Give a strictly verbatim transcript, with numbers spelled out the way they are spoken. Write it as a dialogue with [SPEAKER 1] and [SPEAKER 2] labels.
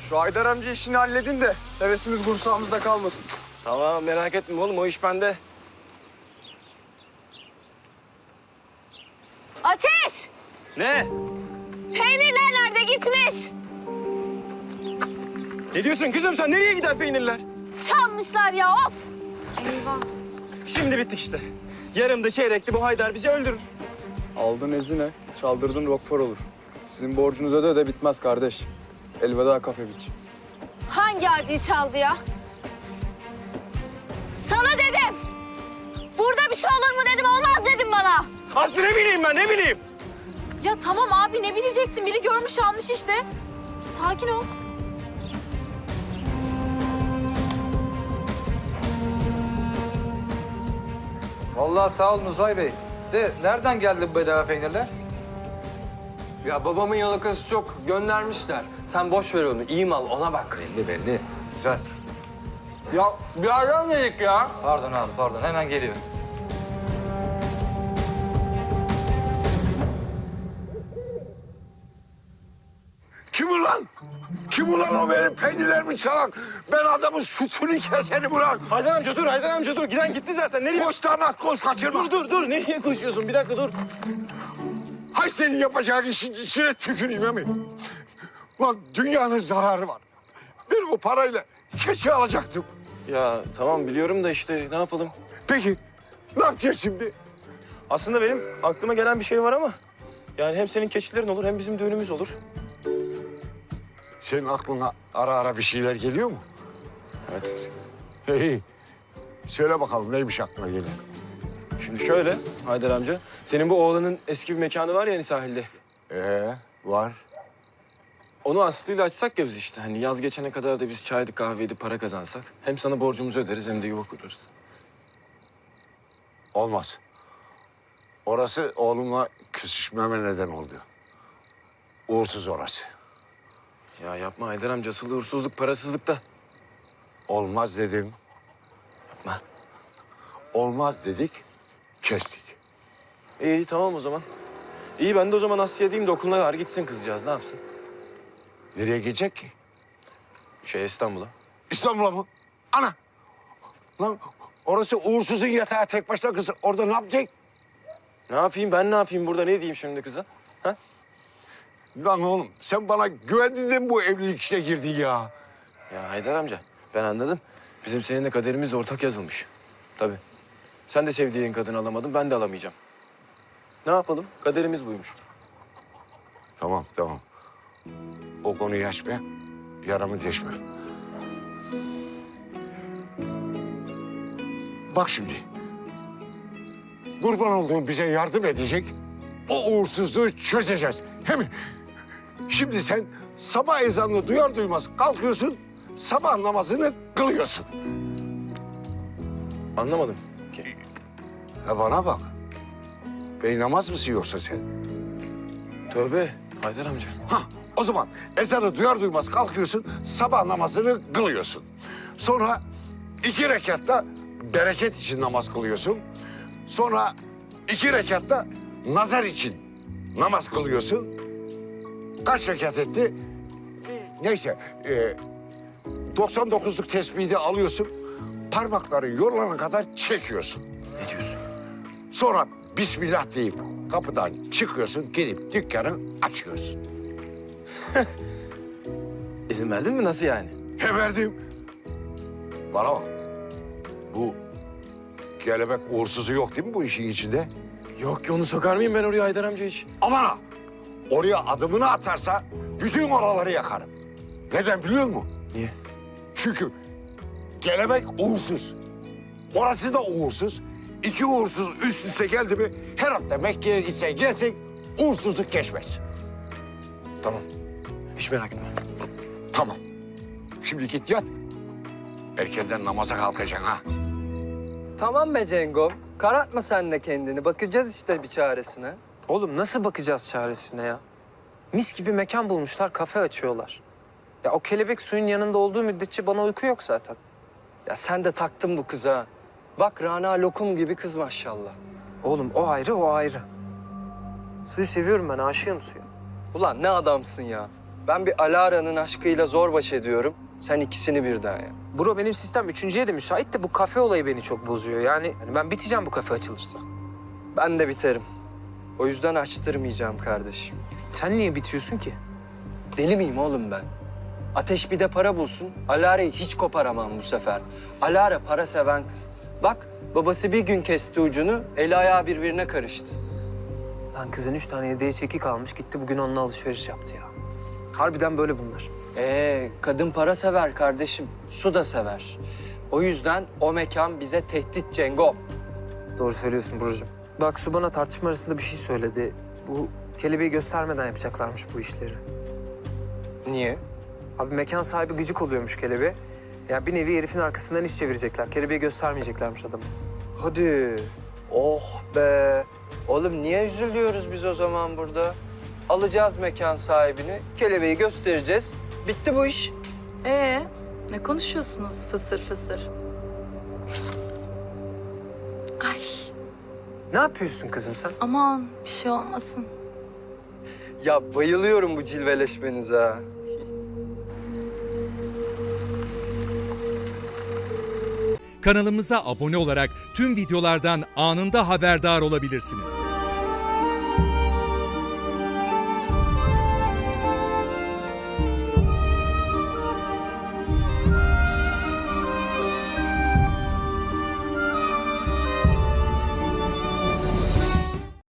[SPEAKER 1] Şu Haydar amca işini halledin de hevesimiz kursağımızda kalmasın.
[SPEAKER 2] Tamam merak etme oğlum o iş bende.
[SPEAKER 3] Ateş!
[SPEAKER 2] Ne?
[SPEAKER 3] Peynirler nerede gitmiş?
[SPEAKER 2] Ne diyorsun kızım sen nereye gider peynirler?
[SPEAKER 3] Çalmışlar ya of! Eyvah.
[SPEAKER 2] Şimdi bittik işte. Yarımda çeyrekli bu Haydar bizi öldürür.
[SPEAKER 1] Aldın ezine, çaldırdın Rockford olur. Sizin borcunuz öde öde bitmez kardeş. Elveda kafe biç.
[SPEAKER 3] Hangi adi çaldı ya? Sana dedim. Burada bir şey olur mu dedim, olmaz dedim bana.
[SPEAKER 2] Aslı ne bileyim ben ne bileyim.
[SPEAKER 4] Ya tamam abi ne bileceksin? Biri görmüş almış işte. Sakin ol.
[SPEAKER 5] Vallahi sağ olun Uzay Bey. De nereden geldi bu bedava peynirler?
[SPEAKER 6] Ya babamın yalakası çok. Göndermişler. Sen boş ver onu. İyi mal ona bak.
[SPEAKER 5] Belli belli. Güzel.
[SPEAKER 6] Ya bir ara dedik ya.
[SPEAKER 5] Pardon abi pardon hemen geliyor.
[SPEAKER 7] Kim ulan? Kim ulan o benim peynirlerimi çalan? Ben adamın sütünü keserim ulan.
[SPEAKER 2] Haydar amca dur Haydar amca dur. Giden gitti zaten. Nereye?
[SPEAKER 7] Koş damat koş kaçırma.
[SPEAKER 2] Dur dur dur. Nereye koşuyorsun? Bir dakika dur.
[SPEAKER 7] Hay senin yapacağın işin içine tüküreyim emin. Lan dünyanın zararı var. Ben o parayla keçi alacaktım.
[SPEAKER 2] Ya tamam biliyorum da işte ne yapalım?
[SPEAKER 7] Peki ne yapacağız şimdi?
[SPEAKER 2] Aslında benim aklıma gelen bir şey var ama... Yani hem senin keçilerin olur hem bizim düğünümüz olur.
[SPEAKER 7] Senin aklına ara ara bir şeyler geliyor mu?
[SPEAKER 2] Evet.
[SPEAKER 7] Hey, söyle bakalım neymiş aklına gelen?
[SPEAKER 2] Şimdi şöyle Haydar amca. Senin bu oğlanın eski bir mekanı var ya hani sahilde.
[SPEAKER 7] Ee, var.
[SPEAKER 2] Onu Aslı'yla açsak ya biz işte. Hani yaz geçene kadar da biz çaydı kahveydi para kazansak. Hem sana borcumuzu öderiz hem de yuva kurarız.
[SPEAKER 7] Olmaz. Orası oğlumla küsüşmeme neden oldu. Uğursuz orası.
[SPEAKER 2] Ya yapma Haydar amca. Asıl uğursuzluk parasızlıkta.
[SPEAKER 7] Olmaz dedim.
[SPEAKER 2] Yapma.
[SPEAKER 7] Olmaz dedik, kestik.
[SPEAKER 2] İyi tamam o zaman. İyi ben de o zaman Aslı'ya diyeyim de okuluna var gitsin kızcağız. Ne yapsın?
[SPEAKER 7] Nereye gidecek ki?
[SPEAKER 2] Şey İstanbul'a.
[SPEAKER 7] İstanbul'a mı? Ana! Lan orası uğursuzun yatağı tek başına kızı. Orada ne yapacak?
[SPEAKER 2] Ne yapayım ben ne yapayım burada? Ne diyeyim şimdi kıza? Ha?
[SPEAKER 7] Lan oğlum sen bana güvendin de mi bu evlilik işine girdin ya?
[SPEAKER 2] Ya Haydar amca ben anladım. Bizim seninle kaderimiz ortak yazılmış. Tabii. Sen de sevdiğin kadını alamadın, ben de alamayacağım. Ne yapalım? Kaderimiz buymuş.
[SPEAKER 7] Tamam tamam. O konuyu açma. Yaramı deşme. Bak şimdi. Kurban olduğum bize yardım edecek. O uğursuzluğu çözeceğiz. Hem şimdi sen sabah ezanını duyar duymaz kalkıyorsun. Sabah namazını kılıyorsun.
[SPEAKER 2] Anlamadım ki.
[SPEAKER 7] Ya bana bak. Beynamaz mısın yoksa sen?
[SPEAKER 2] Tövbe Haydar amca.
[SPEAKER 7] Hah, o zaman ezanı duyar duymaz kalkıyorsun, sabah namazını kılıyorsun. Sonra iki rekatta bereket için namaz kılıyorsun. Sonra iki rekatta nazar için namaz kılıyorsun. Kaç rekat etti? Neyse, e, doksan dokuzluk tesbihi de alıyorsun. Parmakların yorulana kadar çekiyorsun.
[SPEAKER 2] Ne diyorsun?
[SPEAKER 7] Sonra Bismillah deyip kapıdan çıkıyorsun, gidip dükkanı açıyorsun.
[SPEAKER 2] İzin verdin mi? Nasıl yani?
[SPEAKER 7] He verdim. Bana bak. Bu kelebek uğursuzu yok değil mi bu işin içinde?
[SPEAKER 2] Yok ki onu sokar mıyım ben oraya Haydar amca hiç?
[SPEAKER 7] Aman ha! Oraya adımını atarsa bütün oraları yakarım. Neden biliyor musun?
[SPEAKER 2] Niye?
[SPEAKER 7] Çünkü kelebek uğursuz. Orası da uğursuz. İki uğursuz üst üste geldi mi her hafta Mekke'ye gitsen gelsen uğursuzluk geçmez.
[SPEAKER 2] Tamam. Hiç merak etme.
[SPEAKER 7] Tamam. Şimdi git yat. Erkenden namaza kalkacaksın ha.
[SPEAKER 6] Tamam be Cengom. Karartma sen de kendini. Bakacağız işte bir çaresine.
[SPEAKER 8] Oğlum nasıl bakacağız çaresine ya? Mis gibi mekan bulmuşlar, kafe açıyorlar. Ya o kelebek suyun yanında olduğu müddetçe bana uyku yok zaten.
[SPEAKER 6] Ya sen de taktın bu kıza. Bak Rana lokum gibi kız maşallah.
[SPEAKER 8] Oğlum o ayrı, o ayrı. Suyu seviyorum ben, aşığım suya.
[SPEAKER 6] Ulan ne adamsın ya. Ben bir Alara'nın aşkıyla zor baş ediyorum. Sen ikisini birden ya.
[SPEAKER 8] Bro benim sistem üçüncüye de müsait de bu kafe olayı beni çok bozuyor. Yani hani ben biteceğim bu kafe açılırsa.
[SPEAKER 6] Ben de biterim. O yüzden açtırmayacağım kardeşim.
[SPEAKER 8] Sen niye bitiyorsun ki?
[SPEAKER 6] Deli miyim oğlum ben? Ateş bir de para bulsun. Alara'yı hiç koparamam bu sefer. Alara para seven kız. Bak babası bir gün kesti ucunu, eli ayağı birbirine karıştı.
[SPEAKER 8] Lan kızın üç tane hediye çeki kalmış gitti bugün onunla alışveriş yaptı ya. Harbiden böyle bunlar.
[SPEAKER 6] Ee, kadın para sever kardeşim. Su da sever. O yüzden o mekan bize tehdit Cengo.
[SPEAKER 8] Doğru söylüyorsun Burcu'm. Bak Su bana tartışma arasında bir şey söyledi. Bu kelebeği göstermeden yapacaklarmış bu işleri.
[SPEAKER 6] Niye?
[SPEAKER 8] Abi mekan sahibi gıcık oluyormuş kelebeğe. Ya bir nevi herifin arkasından iş çevirecekler. Kelebeği göstermeyeceklermiş adamı.
[SPEAKER 6] Hadi. Oh be. Oğlum niye üzülüyoruz biz o zaman burada? Alacağız mekan sahibini, kelebeği göstereceğiz. Bitti bu iş.
[SPEAKER 9] Ee, ne konuşuyorsunuz fısır fısır? Ay,
[SPEAKER 8] Ne yapıyorsun kızım sen?
[SPEAKER 9] aman bir şey olmasın.
[SPEAKER 6] Ya bayılıyorum bu cilveleşmenize ha.
[SPEAKER 10] Kanalımıza abone olarak tüm videolardan anında haberdar olabilirsiniz.